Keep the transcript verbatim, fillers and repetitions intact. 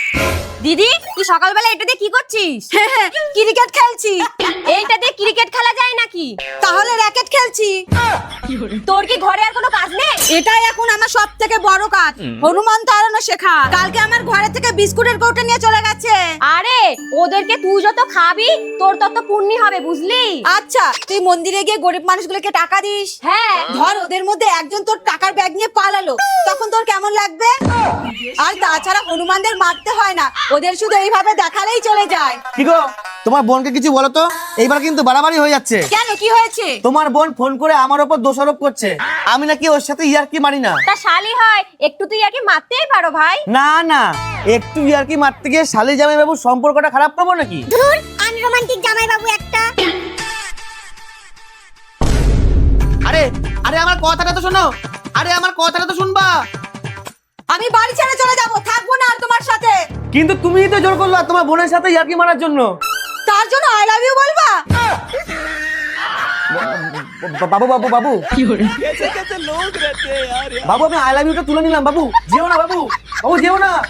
দিদি তুই সকালবেলা এটা দিয়ে কি করছিস? ক্রিকেট খেলছি। এইটা দিয়ে ক্রিকেট খেলা যায় নাকি? তাহলে র্যাকেট খেলছি। তোর কি ঘরে আর কোনো কাজ নেই? এটাই এখন আমার সব থেকে বড় কাজ, হনুমান তাড়ানো শেখা। কালকে আমার ঘরে থেকে বিস্কুটের কৌটো নিয়ে চলে গেছে। আরে ওদেরকে তুই যত খাবি তোর তত পুণ্যি হবে, বুঝলি? আচ্ছা তুই মন্দিরে গিয়ে গরিব মানুষগুলোকে টাকা দিস। হ্যাঁ। ধর ওদের মধ্যে একজন তোর টাকার ব্যাগ নিয়ে পালালো, তখন তোর কেমন লাগবে? আর তাছাড়া হনুমানদের মারতে হয় না, ওদের শুধু এইভাবে দেখালেই চলে যায়। কি গো, তোমার বোনকে কিছু বলো তো, এইবার কিন্তু বাড়াবাড়ি হয়ে যাচ্ছে। কেন, কি হয়েছে? তোমার বোন ফোন করে আমার উপর দোষারোপ করছে আমি নাকি ওর সাথে ইয়ার্কি মারি না। তা শালি হয়, একটু তুই আর কি মারতেই পারো ভাই। না না, একটু ইয়ার্কি মারতে গিয়ে শালি জামাই বাবুর সম্পর্কটা খারাপ করবো নাকি? ধুর, আনরোমান্টিক জামাই বাবু একটা। আরে আরে আমার কথাটা তো শোনো, আরে আমার কথাটা তো শুনবা। আমি বাড়ি ছেড়ে চলে যাব, থাকবো না আর তোমার সাথে। কিন্তু তুমিই তো জোর করলা তোমার বোনের সাথে ইয়ার্কি মারার জন্য। তার জন্য আই লাভ ইউ বলবা? বাবু বাবু বাবু বাবু আমি আই লাভ ইউটা তুলে নিলাম। বাবু যেও না, বাবু বাবু যেও না।